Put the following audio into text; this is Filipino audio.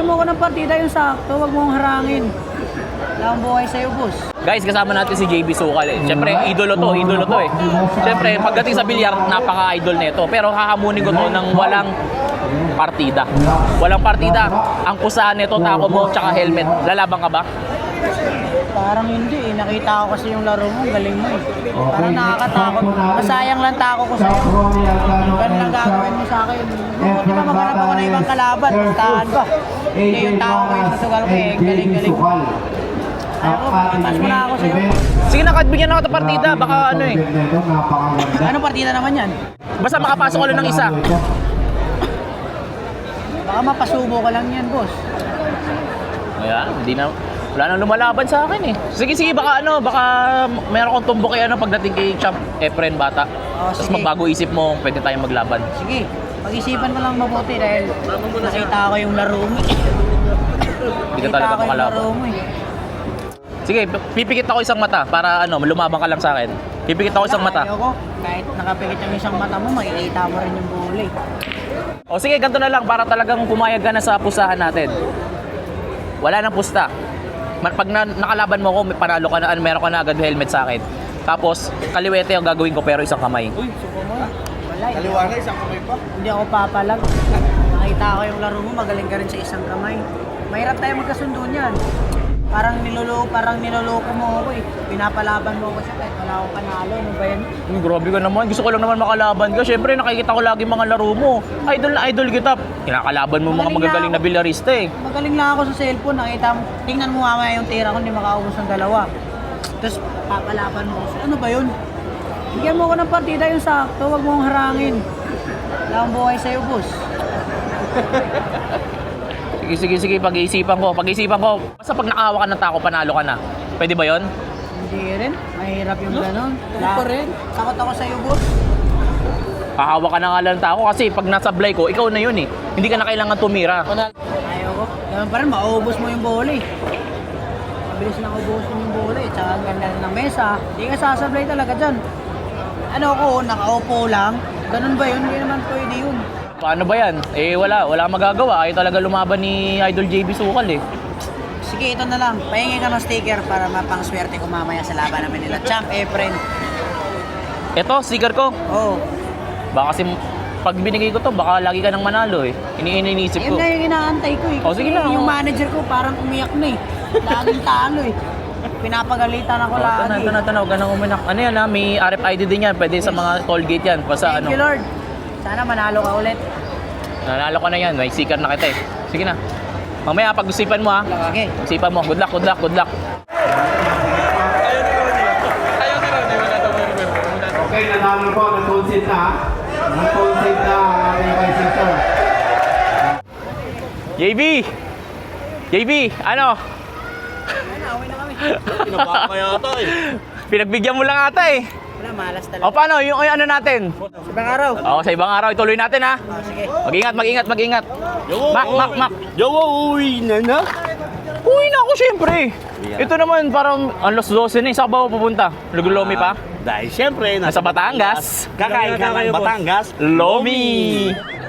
Bigyan mo ko ng partida yung sakto, wag mong harangin. Wala akong buhay sa'yo, boss. Guys, kasama natin si JB Sukal eh. Siyempre, idolo to eh. Siyempre, pagdating sa bilyar, napaka-idol nito. Pero hahamunin ko to ng walang partida. Walang partida. Ang kusahan nito, tako mo, tsaka helmet. Lalaban ka ba? Parang hindi eh. Nakita ko kasi yung laro mo, galing mo eh. Parang nakakatakot. Masayang lang tako ko sa'yo. Ganun lang gagawin mo sa akin. Buti pa maghanap ako ng ibang kalaban. Tahan ba? Hindi yung tao ko yung susugal ko eh. Galing-galing. Ako, patas mo na ako sa'yo. Sige na, bigyan ako ng partida. Baka ano eh. Anong partida naman yan? Basta makapasok ko lang ng isa. Baka mapasubo ka lang yan, boss. Ayan, hindi na. Wala nang lumalaban sa akin eh. Sige, baka meron kong tumbok kay pagdating kay Champ Efren Bata. Tapos sige. magbago isip mo, pwede tayong maglaban. Sige, pag-isipan mo lang mabuti dahil nakita ko yung laro mo. Hindi ka talaga makalaban. Sige, pipikit ako isang mata para lumabang ka lang sa akin. Pipikit ako isang mata. Ayoko, kahit nakapikit yung isang mata mo, makikita mo rin yung bully. O sige, ganito na lang para talagang pumayag ka na sa pusahan natin. Wala nang pusta. Pag nakalaban mo ako, panalo ka na, meron ka na agad helmet sa akin. Tapos, kaliwete ang gagawin ko pero isang kamay. Uy, suko mo. Wala. Kaliwa na, isang kamay pa. Hindi ako papalag. Nakita ko yung laro mo, magaling ka rin sa isang kamay. Mahirap tayo magkasundo niyan. Parang niloloko mo ako eh. Pinapalaban mo ako siya kahit wala akong panalo. Ano ba yan? Grabe ka naman. Gusto ko lang naman makalaban ka. Siyempre, nakikita ko lagi mga laro mo. Idol na idol kita. Kinakalaban mo mga magagaling na bilyarista eh. Magaling lang ako sa cellphone. Nakita mo, tingnan mo mamaya yung tira ko, hindi makaubos ng dalawa. Tapos papalaban mo. Ano ba yun? Bigyan mo ko ng partida yung sakto. Wag mong harangin. Wala akong buhay sa'yo, boss. Sige, pag-iisipan ko. Basta pag nakahawa ka ng tako, panalo ka na. Pwede ba yon? Hindi rin. Mahirap yung gano'n. Ako rin. Takot ako sa'yo, boss. Kahawa ka na nga lang ng tako kasi pag nasablay ko, ikaw na yun eh. Hindi ka na kailangan tumira. Ayaw ko. Ganun pa rin, mauubos mo yung volley. Mabilis na ubusin yung volley. Tsaka ang ganda ng mesa. Hindi ka sasablay talaga dyan. Ano ko, nakaupo lang. Ganun ba yun? Hindi naman pwede yun. Paano ba yan? Eh wala magagawa. Ayaw talaga lumaban ni Idol JB Sukal eh. Sige, ito na lang. Pahingi ka ng sticker para mapang-swerte ko mamaya sa laban namin nila. Champ Efren. Ito, sticker ko. Oo. Baka kasi pag binigay ko to, baka lagi ka nang manalo eh. Iniisip ko. Yun na yung inaantay ko eh. Oh, sige na. Yung manager ko parang umiyak na eh. Laging talo eh. Pinapagalitan ako lagi. Tanaw, ganang uminak. Ano yan ha? May RFID din yan. Pwede sa mga toll gate yan. Basta Thank you, Lord. Sana manalo ka ulit. Nanalo ka na yan. May sticker na kita eh. Sige na. Mamaya pag-usipan mo ha. Okay. Pag-usipan mo. Good luck. Okay, nanalo po, nag-concede na. Nag-concede na ang ating vice sister. JB, ano? Away na kami. Pinabaka kaya ata eh. Pinagbigyan mo lang ata eh. Wala, malas talaga. O paano? Yung ano natin? Ibang araw. O, sa ibang araw, ituloy natin ha. Sige. Mag-ingat. Mak. Yo, uwi na na. Uwi na ako syempre. Ito naman parang alas 12 na eh. Saan ba ako pupunta? Lugulomi pa? Dahil syempre, Nasa Batangas. kakain ka ng Batangas. Lomi!